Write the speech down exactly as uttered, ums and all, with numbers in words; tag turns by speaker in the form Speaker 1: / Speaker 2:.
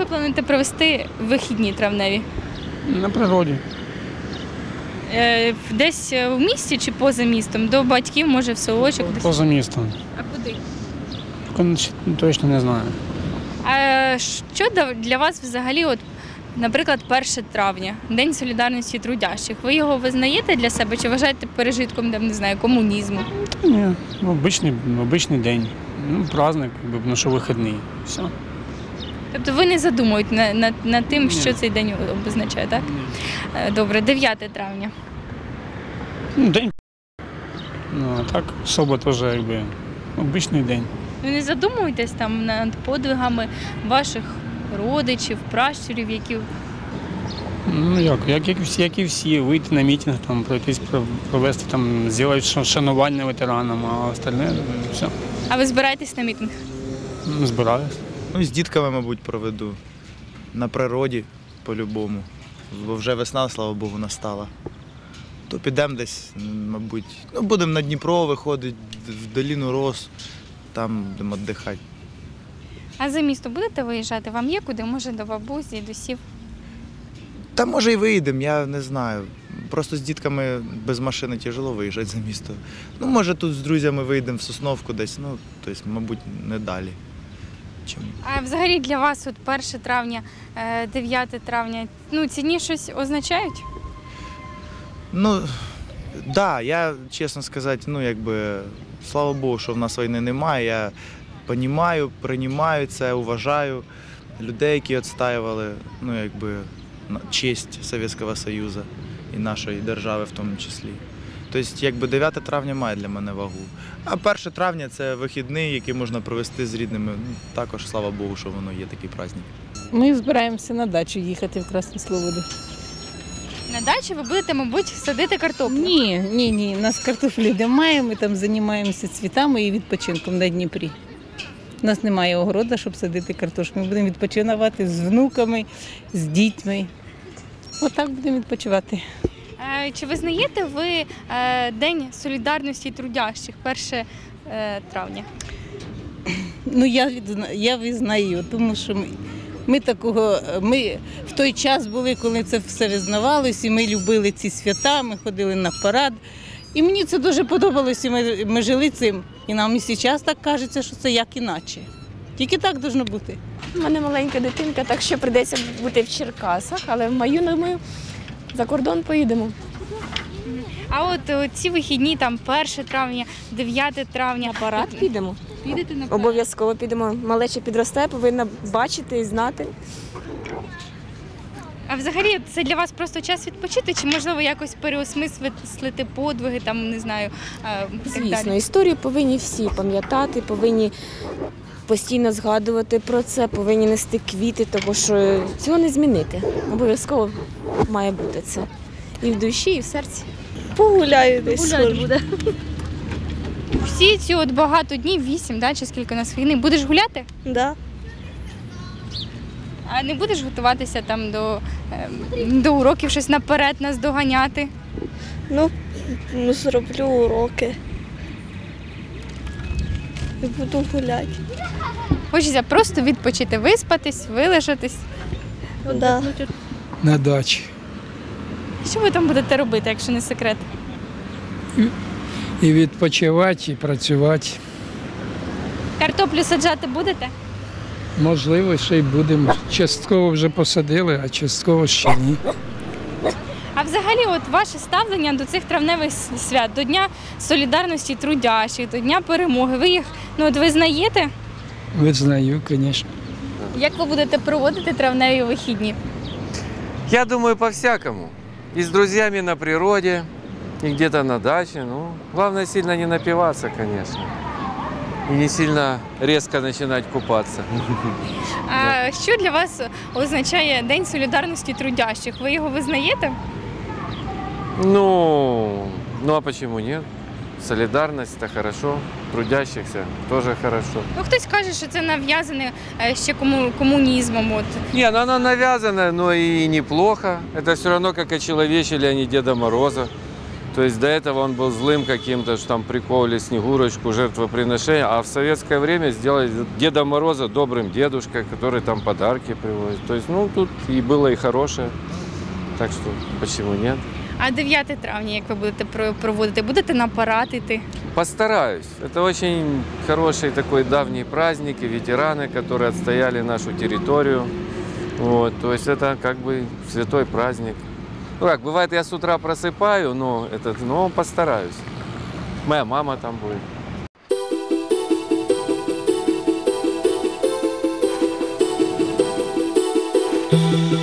Speaker 1: ви плануєте провести вихідні травневі?
Speaker 2: На природі.
Speaker 1: Е, Десь в місті чи поза містом? До батьків, може, в селочок? Десь?
Speaker 2: Поза містом.
Speaker 1: А куди?
Speaker 2: Точно не знаю.
Speaker 1: А що для вас взагалі, от, наприклад, перше травня, День солідарності трудящих? Ви його визнаєте для себе чи вважаєте пережитком, там, не знаю, комунізму?
Speaker 2: Та ні, обичний, обичний день. Ну, праздник, якби, ну, що вихідний. Все.
Speaker 1: Тобто ви не задумуєте над, над, над тим,
Speaker 2: Ні.
Speaker 1: що цей день обозначає, так?
Speaker 2: Ні.
Speaker 1: Е, Добре, дев'яте травня.
Speaker 2: Ну, день. Ну, а так, особо теж, якби, обичний день.
Speaker 1: Ви не задумуєтесь там над подвигами ваших родичів, пращурів, які...
Speaker 2: Ну, як, як, як, і всі, як і всі, вийти на мітинг, там, пройтись, провести, там, зробити шанування ветеранам, а остальне, все.
Speaker 1: А ви збираєтесь на мітинг?
Speaker 2: Ну, збираюсь.
Speaker 3: Ну, з дітками, мабуть, проведу. На природі по-любому. Бо вже весна, слава Богу, настала. То підемо десь, мабуть. Ну, будемо на Дніпро виходити, в доліну Рос, там будемо віддихати.
Speaker 1: А за місто будете виїжджати? Вам є куди? Може, до бабусь, дідусів?
Speaker 3: Та може і виїдемо, я не знаю. Просто з дітками без машини тяжело виїжджати за місто. Ну, може, тут з друзями виїдемо в Сосновку десь, ну, тобто, мабуть, не далі. Чим...
Speaker 1: А взагалі для вас от перше травня, дев'яте травня, ну, ці дні щось означають?
Speaker 3: Ну, так, да, я, чесно сказати, ну, якби, слава Богу, що в нас війни немає. Я розумію, приймаю це, уважаю людей, які відстоювали, ну, якби, честь Совєтського Союзу і нашої держави в тому числі. Тобто, якби дев'яте травня має для мене вагу. А перше травня – це вихідний, який можна провести з рідними. Ну, також, слава Богу, що воно є такий праздник.
Speaker 4: Ми збираємося на дачу їхати в Красну Слободу.
Speaker 1: На дачі ви будете, мабуть, садити картоплю?
Speaker 4: Ні, ні, ні. У нас картоплі немає, ми там займаємося цвітами і відпочинком на Дніпрі. У нас немає огорода, щоб садити картошку. Ми будемо відпочинувати з внуками, з дітьми. Отак будемо відпочивати.
Speaker 1: Е, Чи визнаєте ви е, День солідарності трудящих, перше травня?
Speaker 4: Ну, я, відзна... я визнаю, тому що ми, ми такого, ми в той час були, коли це все визнавалося, і ми любили ці свята, ми ходили на парад. І мені це дуже подобалося, і ми, ми жили цим. І нам і зараз так кажеться, що це як іначе. Тільки так повинно бути.
Speaker 5: У мене маленька дитинка, так що прийдеться бути в Черкасах, але в маю, думаю, за кордон поїдемо.
Speaker 1: А от о, ці вихідні, там перше травня, дев'яте травня.
Speaker 5: На парад підемо.
Speaker 1: Підете на парад?
Speaker 5: Обов'язково підемо. Малеча підросте, повинна бачити і знати.
Speaker 1: А взагалі це для вас просто час відпочити, чи можливо якось переосмислити подвиги, там, не знаю, е, і так
Speaker 5: Звісно,
Speaker 1: далі?
Speaker 5: історію повинні всі пам'ятати, повинні постійно згадувати про це, повинні нести квіти, тому що цього не змінити. Обов'язково має бути це. І в душі, і в серці.
Speaker 6: Погуляю десь.
Speaker 1: Гуляти буде. Всі ці от багато днів, вісім, да, чи скільки у нас війни, будеш гуляти?
Speaker 6: Да.
Speaker 1: А не будеш готуватися там до, е, до уроків, щось наперед нас доганяти?
Speaker 6: Ну, ну, зроблю уроки. І буду гуляти.
Speaker 1: Хочеться просто відпочити, виспатись, вилежатись.
Speaker 6: Да.
Speaker 7: На дачі.
Speaker 1: Що ви там будете робити, якщо не секрет?
Speaker 7: І відпочивати, і працювати.
Speaker 1: Картоплю саджати будете?
Speaker 7: Можливо, ще й будемо. Частково вже посадили, а частково ще ні.
Speaker 1: А взагалі, от ваше ставлення до цих травневих свят, до Дня солідарності трудящих, до Дня перемоги, ви їх, ну, от визнаєте?
Speaker 7: Визнаю, звісно.
Speaker 1: Як ви будете проводити травневі вихідні?
Speaker 8: Я думаю, по-всякому. И с друзьями на природе, и где-то на даче. Ну, главное сильно не напиваться, конечно. И не сильно резко начинать купаться.
Speaker 1: А що для вас означає День солідарності трудящих? Ви його визнаєте?
Speaker 8: Ну, ну а почему нет? Солидарность – это хорошо, трудящихся тоже хорошо.
Speaker 1: Ну, хтось каже, що це нав'язане е, ще кому, комунізмом. От.
Speaker 8: Не, ну она навязанная, но и неплохо. Это все равно как очеловечили они Деда Мороза. То есть до этого он был злым каким-то, что там прикололи Снегурочку, жертвоприношение, а в советское время сделали Деда Мороза добрым дедушкой, который там подарки привозит. То есть, ну, тут и было и хорошее, так что почему нет?
Speaker 1: А дев'яте травня, як ви будете про- проводити? Будете на парад іти?
Speaker 8: Постараюсь. Это очень хороший такой давний праздник, и ветераны, которые отстояли нашу территорию. Вот, то есть это как бы святой праздник. Ну как, бывает, я с утра просыпаю, но, этот, но постараюсь. Моя мама там будет.
Speaker 9: Thank you.